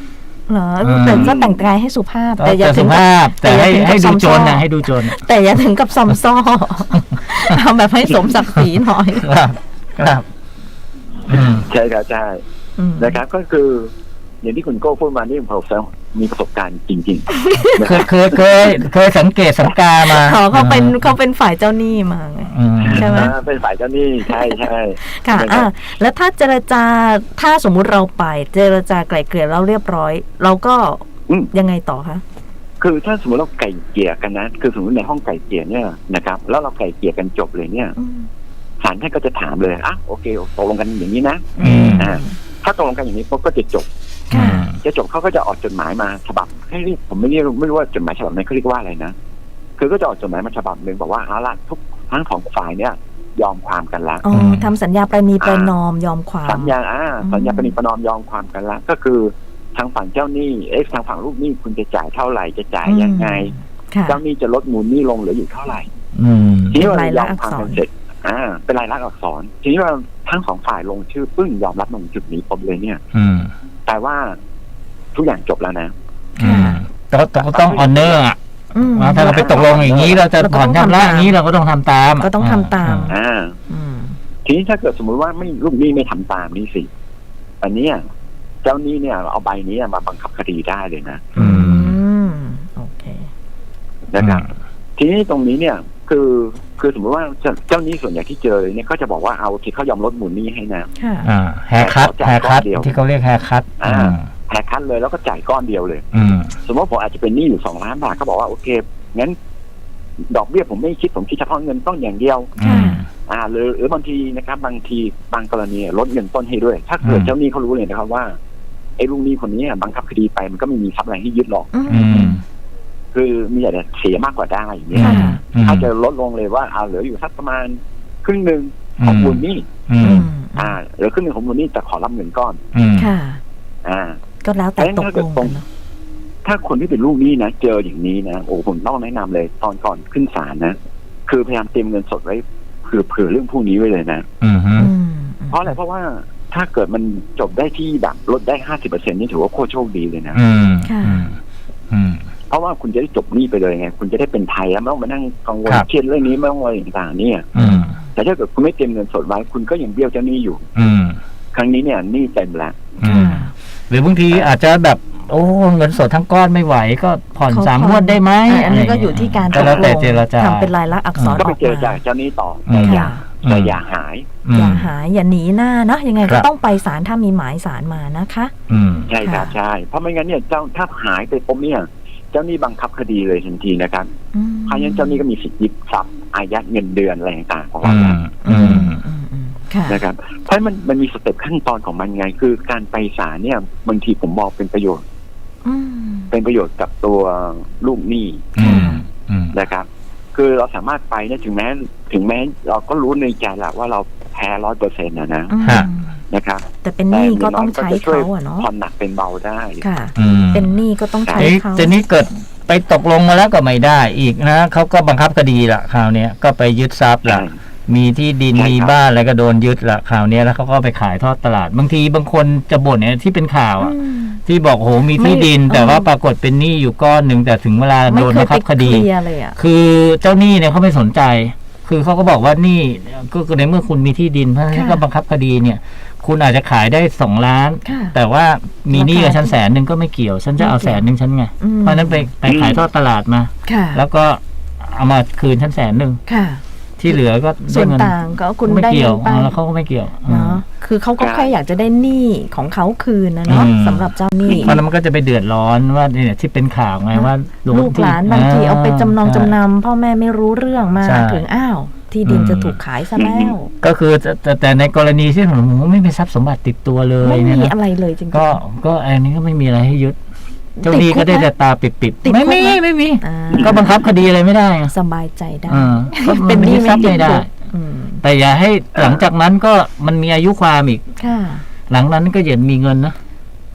[SPEAKER 1] เหรอ
[SPEAKER 2] อืม
[SPEAKER 1] แต่ก็แต่งกายให้สุภาพ แต่อย่า
[SPEAKER 2] แต่
[SPEAKER 1] ถึ
[SPEAKER 2] สุ
[SPEAKER 1] งกับ
[SPEAKER 2] ภาพแต่ให้
[SPEAKER 1] แต่อย่าถึงกับ
[SPEAKER 2] ให้ดู
[SPEAKER 1] ซอม
[SPEAKER 2] โจ
[SPEAKER 1] ซ่อ
[SPEAKER 2] รนะให้ดูโจรนะ
[SPEAKER 1] แต่อย่าถึงกับซอมซ่อ เอาแบบให้สมศักดิ์ศรีหน่อย
[SPEAKER 2] ครับครับอืม
[SPEAKER 3] ใช่ครับใช่
[SPEAKER 1] อืม
[SPEAKER 3] นะครับก็คืออย่างที่คุณโก้พูดมานี่ผมมีประสบการณ์จริงๆนะ
[SPEAKER 2] เค
[SPEAKER 3] ค
[SPEAKER 2] ย
[SPEAKER 3] รับ
[SPEAKER 2] เคยเคยเคยสังเกตสังกามา
[SPEAKER 1] เขาเขาเป็นเขาเป็นฝ่ายเจ้าหนี้มาไง
[SPEAKER 2] อืม
[SPEAKER 1] ใช่ไหม
[SPEAKER 3] อ่าเป็นฝ่ายเจ้าหนี้ใช่ใช่
[SPEAKER 1] ค่ะ
[SPEAKER 3] นะครับ
[SPEAKER 1] อ่าแล้วถ้าเจรจาถ้าสมมุติเราไปเจรจาไกล่เกลี่ยแล้วเรียบร้อย เราก็
[SPEAKER 3] อืม
[SPEAKER 1] ยังไงต่อคะ
[SPEAKER 3] คือถ้าสมมติเราไก่เกลี่ยกันนะคือสมมติในห้องไก่เกลี่ยเนี่ยนะครับแล้วเราไก่เกลี่ยกันจบเลยเนี่ย
[SPEAKER 1] อืม
[SPEAKER 3] ศาลท่านก็จะถามเลยอ่ะโอเคตกลงกันอย่างนี้นะ
[SPEAKER 2] อืม
[SPEAKER 3] อ่าถ้าตกลงกันอย่างนี้ปุ๊บก็จะจบ
[SPEAKER 2] อื
[SPEAKER 1] ค่ะ
[SPEAKER 2] ม
[SPEAKER 3] จะจบเขาก็จะออกจดหมายมาฉบับให้เรียกผมไม่เรียกไม่รู้ว่าจดหมายฉบับนั้นเขาเรียกว่าอะไรนะคือก็จะออกจดหมายมาฉบับหนึ่งบอกว่าเอาละทุกทั้งสองฝ่ายเนี่ยยอมความกันแล้ว
[SPEAKER 1] อ๋อทำสัญญาประนีประนอมยอมความ
[SPEAKER 3] สัญญาอ่า
[SPEAKER 1] อืม
[SPEAKER 3] สัญญาปณิประนอมยอมความกันแล้วก็คือทางฝั่งเจ้าหนี้เอ๊ะทางฝั่งลูกหนี้คุณจะจ่ายเท่าไหร่จะจ่ายยังไง
[SPEAKER 1] ค่ะ
[SPEAKER 3] เจ้าหนี้จะลดมูลหนี้ลงเหลืออยู่เท่าไหร่
[SPEAKER 2] อืม
[SPEAKER 3] ทีนี้เรา
[SPEAKER 1] เป็น
[SPEAKER 3] ย
[SPEAKER 1] ลา
[SPEAKER 3] อย ม
[SPEAKER 1] ลักษณ์
[SPEAKER 3] ความ
[SPEAKER 1] อั
[SPEAKER 3] กั
[SPEAKER 1] กษร
[SPEAKER 3] นเสร็จอ่าเป็นลายลักษณ์อักษรทีนี้เราทั้งสองฝ่ายลงชื่อปึ้งยอมรับตรงจุดนี้ปุ๊บเลยเนี่ย
[SPEAKER 2] อืม
[SPEAKER 3] แต่ว่าทุกอย่างจบแล้วนะ
[SPEAKER 2] อืมต้องต้องต้องออนเนอร์อ่ะ
[SPEAKER 1] อืม
[SPEAKER 2] ว่าถ้าเราไปตกลงอย่างนี้เราจะ
[SPEAKER 1] เราก็
[SPEAKER 2] ผ่อน
[SPEAKER 1] ต้อง
[SPEAKER 2] ชำระ
[SPEAKER 1] ทำตาม
[SPEAKER 2] อย่างนี้เราก็ต้องทำตาม
[SPEAKER 1] ก็ต้องทำตาม
[SPEAKER 3] อ่า
[SPEAKER 1] อืม
[SPEAKER 3] ทีนี้ถ้าเกิดสมมุติว่าไม่ลูกหนี้ไม่ทำตามนี่สิอันเนี้ยเจ้าหนี้เนี่ยเอาใบนี้มาบังคับคดีได้เลยนะ
[SPEAKER 2] อื
[SPEAKER 1] อื
[SPEAKER 2] ม
[SPEAKER 1] มโอเค
[SPEAKER 3] นะครับ ทีนี้ตรงนี้เนี่ยคือคือสมมติว่าเจ้าเจ้าหนี้ส่วนใหญ่ที่เจอเนี่ยก็จะบอกว่าเอาที่เขายอมลดมูลหนี้ให้นะ
[SPEAKER 1] ค่ะ
[SPEAKER 2] อ่าแฮร์คัตแฮร์คัตที่เขาเรียกแฮร์คัต
[SPEAKER 3] อ่า
[SPEAKER 2] อืม
[SPEAKER 3] แหกคันเลยแล้วก็จ่ายก้อนเดียวเลย
[SPEAKER 2] อืม
[SPEAKER 3] สมมติว่าผมอาจจะเป็นหนี้อยู่สองล้านบาทเขาบอกว่าโอเคงั้นดอกเบี้ยผมไม่คิดผมคิดเฉพาะเงินต้นอย่างเดียว
[SPEAKER 2] อืม
[SPEAKER 3] อ่าหรือหรือบางทีนะครับบางทีบางกรณีลดเงินต้นให้ด้วย ถ้าเกิด
[SPEAKER 2] อืม
[SPEAKER 3] เจ้าหนี้เขารู้เลยนะครับว่าไอ้ลูกหนี้คนนี้บังคับคดีไปมันก็ไม่มีทรัพย์อะไรให้ยึดหรอก
[SPEAKER 1] อื
[SPEAKER 2] อื
[SPEAKER 1] ม
[SPEAKER 2] ม
[SPEAKER 3] คือมีแต่เสียมากกว่าได้อย่างเงี้ย
[SPEAKER 1] ค่ะ
[SPEAKER 2] อืม
[SPEAKER 3] ถ้าจะลดลงเลยว่าเอาเหลืออยู่สักประมาณครึ่งหนึ่งของมูลหนี้
[SPEAKER 2] อื
[SPEAKER 1] อื
[SPEAKER 2] ม
[SPEAKER 1] ม
[SPEAKER 3] อ่าเหลือครึ่งหนึ่งของมูลหนี้แต่ขอรับเงินก้อน
[SPEAKER 2] อืม
[SPEAKER 1] ค่ะ
[SPEAKER 3] อ่า
[SPEAKER 1] ก็แล้วแต่ตกลงกันเนอะ
[SPEAKER 3] ถ้าคนที่เป็นลูกหนี้นะเจออย่างนี้นะโอ้ผมต้องแนะนำเลยตอนก่อนขึ้นศาลนะคือพยายามเตรียมเงินสดไว้เผื่อเผื่อเรื่องพวกนี้ไว้เลยนะ
[SPEAKER 2] อืม
[SPEAKER 1] อืม
[SPEAKER 3] เพราะอะไรเพราะว่าถ้าเกิดมันจบได้ที่แบบลดได้ห้าสิบเปอร์เซ็นต์นี่ถือว่าโคตรโชคดีเลยนะ
[SPEAKER 2] อืม
[SPEAKER 1] ค่ะ
[SPEAKER 2] อืมอืม
[SPEAKER 3] เพราะว่าคุณจะได้จบหนี้ไปเลยไงคุณจะได้เป็นไทยแล้วไม่ต้องมานั่งกังวล
[SPEAKER 2] ครับ
[SPEAKER 3] เครียดเรื่องนี้ไม่ต้องอะไรต่างๆเนี่ย
[SPEAKER 2] อืม
[SPEAKER 3] แต่ถ้าเกิดคุณไม่เตรียมเงินสดไว้คุณก็ยังเบี้ยวเจ้าหนี้อยู่
[SPEAKER 2] อืม
[SPEAKER 3] ครั้งนี้เนี่ยหนี้เต็มแล้ว
[SPEAKER 2] อืมหรือบางทีอาจจะแบบโอ้เงินสดทั้งก้อนไม่ไหวก็ผ่อน
[SPEAKER 1] เขา
[SPEAKER 2] สาม
[SPEAKER 1] ผ่อน
[SPEAKER 2] งวดได้ไหม
[SPEAKER 1] อ่ะอันนี้ก็อยู่ที่การ
[SPEAKER 2] ก็แล้วแต่
[SPEAKER 1] ตกลง
[SPEAKER 2] เจรจา
[SPEAKER 1] ทำเป็นลายลักษณ์อักษร
[SPEAKER 3] ก็
[SPEAKER 1] อ
[SPEAKER 3] ไป
[SPEAKER 1] อก
[SPEAKER 3] เจอ
[SPEAKER 1] มา
[SPEAKER 3] จากเจ้าหนี้ต่อ
[SPEAKER 2] อื
[SPEAKER 3] แต่
[SPEAKER 2] ม
[SPEAKER 3] อย่า
[SPEAKER 2] อืม
[SPEAKER 3] แต่อย่าหาย
[SPEAKER 1] อย่าหายอย่าหนีหน้าเนาะยังไง
[SPEAKER 2] ครั
[SPEAKER 1] ก็
[SPEAKER 2] บ
[SPEAKER 1] ต้องไปศาลถ้ามีหมายศาลมานะคะ
[SPEAKER 2] อืม
[SPEAKER 3] ใช่ครับ
[SPEAKER 1] ค่ะ
[SPEAKER 3] ใช่เพราะไม่งั้นเนี่ยเจ้าถ้าหายไปปุ๊บเนี่ยเจ้าหนี้บังคับคดีเลยทันทีนะครับ
[SPEAKER 1] อืม
[SPEAKER 3] เพราะฉะนั้นเจ้าหนี้ก็มีสิทธิ์ยึดทรัพย์อายัดเงินเดือนอะไรต่างๆของ
[SPEAKER 2] อื
[SPEAKER 3] เรา
[SPEAKER 2] ม
[SPEAKER 1] อื
[SPEAKER 2] อื
[SPEAKER 1] ม
[SPEAKER 2] ม
[SPEAKER 1] อืมอืมค่ะ
[SPEAKER 3] นะครับเพราะมันมันมีสเต็ปขั้นตอนของมันไง คือการไปศาลเนี่ยบางทีผมมองเป็นประโยชน์
[SPEAKER 1] อืม
[SPEAKER 3] เป็นประโยชน์กับตัวลูกหนี้
[SPEAKER 2] อืมอืม
[SPEAKER 3] นะครับ คือเราสามารถไปเนี่ยถึงแม้ถึงแม้เราก็รู้ในใจแหละว่าเราแพ้ร้อยเปอร์เซ็นต์นะนะ
[SPEAKER 1] อืม
[SPEAKER 2] ฮะ
[SPEAKER 3] นะครับ
[SPEAKER 1] แต่เป็นหนี้ก็ต้องใช้
[SPEAKER 3] แต่ย่
[SPEAKER 1] เขา
[SPEAKER 3] งน้ย
[SPEAKER 1] อะเนาะ
[SPEAKER 3] ผ่อนหนักเป็นเบาได้
[SPEAKER 1] ค่ะ
[SPEAKER 2] อืม
[SPEAKER 1] เป็นหนี้ก็ต้องใช้
[SPEAKER 2] เอ๊ะ
[SPEAKER 1] เขา
[SPEAKER 2] แต่นี้เกิดไปตกลงมาแล้วก็ไม่ได้อีกนะเขาก็บังคับคดีละคราวเนี้ยก็ไปยึดทรัพย์ละ
[SPEAKER 3] ใช่
[SPEAKER 2] มีที่ดิน
[SPEAKER 3] ใช่ครับ
[SPEAKER 2] มีบ้านอะไรก็โดนยึดละคราวเนี้ยแล้วเขาก็ไปขายทอดตลาด บางทีบางคนจะบ่นเนี่ยที่เป็นข่าวอ่ะ
[SPEAKER 1] อืม
[SPEAKER 2] ที่บอกโหมีที่ดิน
[SPEAKER 1] ไม่
[SPEAKER 2] แต่ว่า
[SPEAKER 1] เออ
[SPEAKER 2] ปรากฏเป็นหนี้อยู่ก้อนหนึ่งแต่ถึงเวลา
[SPEAKER 1] ไม่
[SPEAKER 2] โดน
[SPEAKER 1] เค
[SPEAKER 2] บั
[SPEAKER 1] ย
[SPEAKER 2] ง
[SPEAKER 1] ไป
[SPEAKER 2] คับค
[SPEAKER 1] เค
[SPEAKER 2] ดี
[SPEAKER 1] ลียร์เลยอ่ะ
[SPEAKER 2] คือเจ้าหนี้เนี่ยเขาไม่สนใจ คือเขาก็บอกว่าหนี่ก็คือในเมื่อคุณมีที่ดินเพราะฉะนั้น
[SPEAKER 1] ค่ะ
[SPEAKER 2] ก็บังคับคดีเนี่ย คุณอาจจะขายได้สองล้าน
[SPEAKER 1] ค่ะ
[SPEAKER 2] แต่ว่ามีหนี้กับฉันแสนหนึ่งก็ไม่เกี่ยว ฉันจะเอาแสนหนึ่งฉันไง
[SPEAKER 1] อืม
[SPEAKER 2] เพราะฉะนั้นไปไปขายทอดตลาดมา
[SPEAKER 1] ค่ะ
[SPEAKER 2] แล้วก็เอามาคืนฉันแสนหนึ่ง
[SPEAKER 1] ค่ะ
[SPEAKER 2] ที่เหลือก็
[SPEAKER 1] ส่
[SPEAKER 2] ได้
[SPEAKER 1] วน
[SPEAKER 2] เงิน
[SPEAKER 1] ต่างก็คุณ
[SPEAKER 2] ไม่
[SPEAKER 1] ได้
[SPEAKER 2] เกี่
[SPEAKER 1] เงิ
[SPEAKER 2] ยวน
[SPEAKER 1] ไป
[SPEAKER 2] แล้วเขาก็ไม่เกี่ยว
[SPEAKER 1] เนาะคือเขาก็แค่อยากจะได้หนี้ของเขาคืนนะเนาะ
[SPEAKER 2] อืม
[SPEAKER 1] สำหรับเจ้าหนี้
[SPEAKER 2] เพราะนั้นมันก็จะไปเดือดร้อนว่าเนี่ยที่เป็นข่าวไงว่าโดน
[SPEAKER 1] ลูกหลาน
[SPEAKER 2] ที่
[SPEAKER 1] บางทีเอาไปจำนอง
[SPEAKER 2] ใช่
[SPEAKER 1] จำนำพ่อแม่ไม่รู้เรื่องมา
[SPEAKER 2] ใช่
[SPEAKER 1] ถึงอ้าว ที่ดิน
[SPEAKER 2] อืม
[SPEAKER 1] จะถูกขายซะแล้ว
[SPEAKER 2] ก็คือแต่แต่แต่ในกรณีที่ผมไม่มีทรัพย์สมบัติติดตัวเลย
[SPEAKER 1] ไม่
[SPEAKER 2] เนี่ย
[SPEAKER 1] มี
[SPEAKER 2] นะ
[SPEAKER 1] อะไรเลยจริงๆ
[SPEAKER 2] ก็ก็อันนี้ก็ไม่มีอะไรให้ยึดเจ้าหนี้
[SPEAKER 1] ติดคุ
[SPEAKER 2] ก็
[SPEAKER 1] ก
[SPEAKER 2] ได้
[SPEAKER 1] ไหม
[SPEAKER 2] แต่ตาปิด
[SPEAKER 1] ติด
[SPEAKER 2] ๆไม่
[SPEAKER 1] คุก
[SPEAKER 2] มี
[SPEAKER 1] ไหม
[SPEAKER 2] ไม่มี
[SPEAKER 1] อ่า
[SPEAKER 2] ก็บังคับคดีอะไรไม่ได้ไง
[SPEAKER 1] สบายใจได้
[SPEAKER 2] อ่าก็มั
[SPEAKER 1] เป็นหนี้
[SPEAKER 2] ยึดทรัพย์
[SPEAKER 1] ไม่
[SPEAKER 2] ไม่
[SPEAKER 1] ติด
[SPEAKER 2] ได้
[SPEAKER 1] คุกอืม
[SPEAKER 2] แต่อย่าให้หลังจากนั้นก็มันมีอายุความอีก
[SPEAKER 1] ค่ะ
[SPEAKER 2] หลังนั้นก็อย่ามีเงินนะ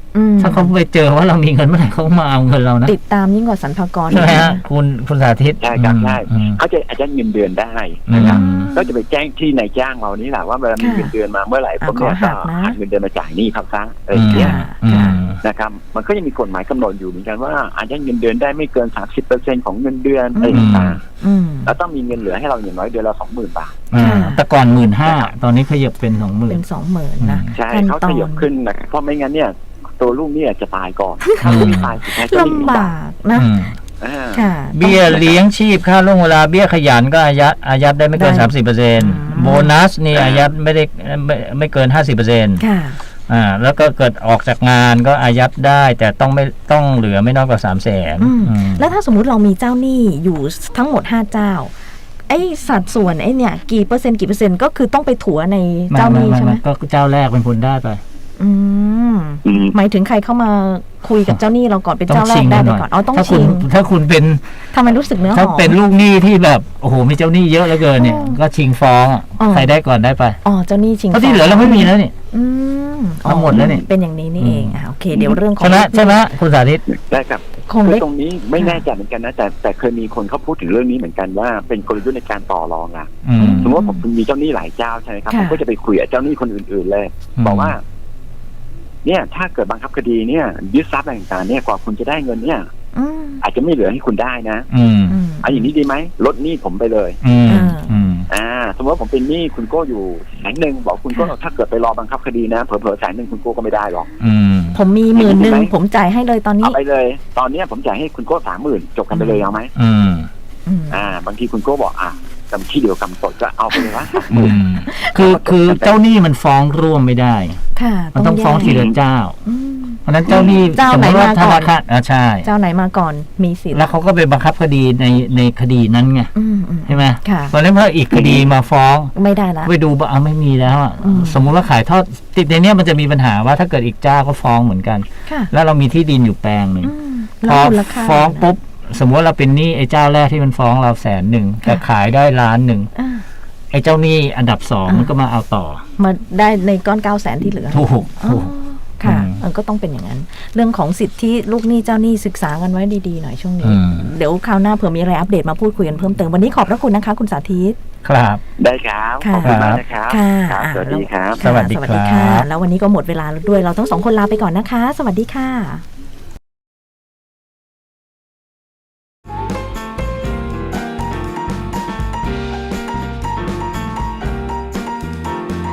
[SPEAKER 1] อืม
[SPEAKER 2] ถ้าเขาไปเจอว่าเรามีเงินเมื่อไหร่เขามาเอาเงินเรานะ
[SPEAKER 1] ติดตามยิ่งกว่าสรรพากร
[SPEAKER 2] ใช่ไหมฮะคุณคุณสาธิต
[SPEAKER 3] ใช่ครับใช่
[SPEAKER 2] อืม
[SPEAKER 3] เขาจะอาจจะเงินเดือนได้นะครับ
[SPEAKER 1] อืม
[SPEAKER 3] ก็จะไปแจ้งที่นายจ้างเรานี่แหละว่าเวลามี
[SPEAKER 1] ค่ะ
[SPEAKER 3] เงินเดือนมาเมื่อไหร่
[SPEAKER 1] อ่ะ
[SPEAKER 3] ผมเนี่ย
[SPEAKER 1] ขอหั
[SPEAKER 3] ก็
[SPEAKER 1] กนะ
[SPEAKER 3] หักเงินเดือนมาจ่ายหนี้เขาซะอะไรอย่างเงี้ย
[SPEAKER 1] ค่ะ
[SPEAKER 2] อืม
[SPEAKER 3] นะครับมันก็ยังมีกฎหมายกำหนดอยู่เหมือนกันว่าอาจจะเงินเดือนได้ไม่เกิน สามสิบเปอร์เซ็นต์ ของเงินเดือนอะไรต่าง
[SPEAKER 1] อืม
[SPEAKER 3] ๆแล้วต้องมีเงินเหลือให้เราอย่างน้อยเดือนละสองหมื่นบาท
[SPEAKER 2] อ่า
[SPEAKER 1] ค่ะ
[SPEAKER 2] แต่ก่อนหมื่นห้าตอนนี้ขยับเป็นสองหมื่
[SPEAKER 1] เป็น นสองหมื่นนะ
[SPEAKER 3] ใช่
[SPEAKER 1] ขั้น
[SPEAKER 3] เขา
[SPEAKER 1] ตอ
[SPEAKER 3] ขยับ
[SPEAKER 1] น
[SPEAKER 3] ขึ้นนะครับเพราะไม่งั้นเนี่ยตัวลูกเนี่ยจะตายก่อนถ้าลูกไม่ตายสุดท้ายจะไม่มี
[SPEAKER 1] ลำ
[SPEAKER 3] บา
[SPEAKER 1] บากนะ
[SPEAKER 2] อืม
[SPEAKER 3] อ่า
[SPEAKER 1] ค่ะ
[SPEAKER 2] เบี้ยเลี้ยงชีพค่าล่วงเวลาเบี้ยขยันก็อายัดอายัดได้ไม่เกิน
[SPEAKER 1] ได้
[SPEAKER 2] สามสิบเปอร์เซ็นต์
[SPEAKER 1] อืม
[SPEAKER 2] โบนัสนี่อายัดไม่ได้ไม่ไม่เกินห้าสิบเปอร์เซ็นต์
[SPEAKER 1] ค่ะ
[SPEAKER 2] อ่าแล้วก็เกิดออกจากงานก็อายัดได้แต่ต้องไม่ต้องเหลือไม่น้อยกว่าสามแสน
[SPEAKER 1] อืมแล้วถ้าสมมุติเรามีเจ้าหนี้อยู่ทั้งหมดห้าเจ้า ไอ้สัดส่วนไอ้เนี่ยกี่เปอร์เซ็นต์กี่เปอร์เซ็นต์ก็คือต้องไปถัวในเจ้าหนี้ใช่ไหม
[SPEAKER 2] ก็เจ้าแรกเป็นคนได้ไป
[SPEAKER 1] อืม
[SPEAKER 3] อืม
[SPEAKER 1] หมายถึงใครเข้ามาคุยกับเจ้าหนี้เราก่อนเป็น
[SPEAKER 2] ต้อ
[SPEAKER 1] เจ้าง แร
[SPEAKER 2] ชิ
[SPEAKER 1] ก
[SPEAKER 2] ง
[SPEAKER 1] ได้
[SPEAKER 2] กัน
[SPEAKER 1] ไป
[SPEAKER 2] หน่อย
[SPEAKER 1] ก่อนอ๋อต้อง
[SPEAKER 2] ถ้าคุ
[SPEAKER 1] ชิ
[SPEAKER 2] ณ
[SPEAKER 1] ง
[SPEAKER 2] ถ้าคุณเป็น
[SPEAKER 1] ทำไมรู้สึกเนื้อห
[SPEAKER 2] ถ้า
[SPEAKER 1] อม
[SPEAKER 2] เป็นลูกหนี้ที่แบบโอ้โหมีเจ้าหนี้เยอะเหลือเกินเนี่ย
[SPEAKER 1] อ๋อ
[SPEAKER 2] ก็ชิงฟ้องอ่ะ
[SPEAKER 1] อ๋อ
[SPEAKER 2] ใครได้ก่อนได้ไป
[SPEAKER 1] อ๋อเจ้าหนี้ชิง
[SPEAKER 2] เพราะที่เหลือเราไม่มีแล้วนี่
[SPEAKER 1] อืม
[SPEAKER 2] ทั้งหมดแล้วนี่
[SPEAKER 1] เป็นอย่างนี้นี่เองอ่ะโอเค เดี๋ยวเรื่องของ
[SPEAKER 2] ใช่ไหมใช่ไหมคุณสาธิต
[SPEAKER 3] ได้ครับ
[SPEAKER 1] คง
[SPEAKER 3] คือ
[SPEAKER 1] เล็ก
[SPEAKER 3] ตรงนี้ไม่แน่ใจเหมือนกันนะแต่แต่เคยมีคนเขาพูดถึงเรื่องนี้เหมือนกันว่าเป็นกลยุทธ์ในการต่อรองอ่ะ
[SPEAKER 2] อืม
[SPEAKER 3] สมมติว่าผมมีเจ้าหนี้หลายเจ้าใช่ไหมครับ
[SPEAKER 1] ค่ะ
[SPEAKER 3] ผมก็จะไปคุยกับเจ้าหนี้คนอื่นๆเลย
[SPEAKER 2] อืม
[SPEAKER 3] บอกว่า เนี่ยถ้าเกิดบังคับคดีเนี่ยยึดทรัพย์อะไรต่างๆเนี่ยกว่าคุณจะได้เงินเนี่ย
[SPEAKER 1] อืม
[SPEAKER 3] อาจจะไม่เหลือให้คุณได้นะ
[SPEAKER 2] อืม
[SPEAKER 1] อืม
[SPEAKER 3] เอันอย่างนี้ดีไหมลดหนี้ผมไปเลย
[SPEAKER 2] อืม
[SPEAKER 1] อ่า
[SPEAKER 2] อืม
[SPEAKER 3] อ่า สมมติว่าผมเป็นหนี้คุณโก้อยู่แสนหนึ่งบอกคุณโก้
[SPEAKER 1] ค่ะ
[SPEAKER 3] ถ้าเกิดไปรอบังคับคดีนะเผลอๆแสนหนึ่งคุณโก้ก็ไม่ได้หรอก
[SPEAKER 2] อืม
[SPEAKER 1] ผมมีหมื่นหนึ่ง
[SPEAKER 3] เห็นไหม
[SPEAKER 1] ผมจ่ายให้เลยตอนนี้
[SPEAKER 3] เอาไปเลย ตอนเนี้ยผมจ่ายให้คุณโก้สามหมื่นจบกันไปเลยเอาไหม
[SPEAKER 2] อืม
[SPEAKER 1] อืม
[SPEAKER 3] อ่า บางทีคุณโก้บอกอ่ะกำที่เดียวกำตดก็เอาไปเลยวะ
[SPEAKER 2] อืม คือคือเจ้าหนี้มันฟ้องร่วมไม่ได้
[SPEAKER 1] ค่ะ
[SPEAKER 2] มันต้องฟ้อง
[SPEAKER 1] แยก
[SPEAKER 2] ทีละเจ้า
[SPEAKER 1] อืม
[SPEAKER 2] เพราะฉะนั้นเจ้าหนี้
[SPEAKER 1] เจ้า
[SPEAKER 2] สม
[SPEAKER 1] ไหน
[SPEAKER 2] มติว่า
[SPEAKER 1] มา
[SPEAKER 2] ธ
[SPEAKER 1] ก่อน
[SPEAKER 2] นาคารอ่าใช่
[SPEAKER 1] เจ้าไหนมาก่อนมีสิทธิ์
[SPEAKER 2] แล้วเขาก็ไปบังคับคดีในในคดีนั้นไง
[SPEAKER 1] อืมอืม
[SPEAKER 2] ใช่ไหม
[SPEAKER 1] ค่ะ
[SPEAKER 2] เพราะฉะนั้นพออีกคดีมาฟ้อง
[SPEAKER 1] ไม่ได้ละ
[SPEAKER 2] ไปดูว่าเอาไม่มีแล้วอะ
[SPEAKER 1] อืม
[SPEAKER 2] สมมุติว่าขายทอดติดในเนี้ยมันจะมีปัญหาว่าถ้าเกิดอีกเจ้าก็ฟ้องเหมือนกัน
[SPEAKER 1] ค่ะ
[SPEAKER 2] แล้วเรามีที่ดินอยู่แปลงหนึ่ง
[SPEAKER 1] อืม
[SPEAKER 2] พ
[SPEAKER 1] แล้ว
[SPEAKER 2] อ
[SPEAKER 1] มูลค่า
[SPEAKER 2] ฟ้อง
[SPEAKER 1] นะ
[SPEAKER 2] ปุ๊บสมมติว่าเราเป็นหนี้ไอ้เจ้าแรกที่มันฟ้องเราแสนหนึ่งแต่ขายได้ล้านหนึ่ง
[SPEAKER 1] อ่า
[SPEAKER 2] ไอ้เจ้าหนี้อันดับสอง
[SPEAKER 1] อ่ามั
[SPEAKER 2] มันก็มาเอาต่อ
[SPEAKER 1] มาได้ในก้อนเก้าแสนที่เหลือ
[SPEAKER 2] ถูก
[SPEAKER 1] อ๋อ
[SPEAKER 2] ถูก
[SPEAKER 1] ค่ะ
[SPEAKER 2] อืม
[SPEAKER 1] เออก็ต้องเป็นอย่างนั้น เรื่องของสิทธิลูกหนี้เจ้าหนี้ศึกษากันไว้ดีๆหน่อยช่วงนี้
[SPEAKER 2] อืม
[SPEAKER 1] เดี๋ยวคราวหน้าเผื่อมีอะไรอัปเดตมาพูดคุยกันเพิ่มเติมวันนี้ขอบพระคุณนะคะ คุณสาธิต
[SPEAKER 2] ครับ
[SPEAKER 3] ได้ครับ
[SPEAKER 1] ค่ะ
[SPEAKER 3] ขอบคุณมากนะครับ
[SPEAKER 1] ค่ะ
[SPEAKER 3] ครับ สวัสดีครับ
[SPEAKER 1] ค่ะ
[SPEAKER 2] สวัสดี
[SPEAKER 1] สวัสดีค่ะ
[SPEAKER 2] ครับ
[SPEAKER 1] แล้ววันนี้ก็หมดเวลาแล้วด้วยเราทั้งสองคนลาไปก่อนนะคะ สวัสดีค่ะ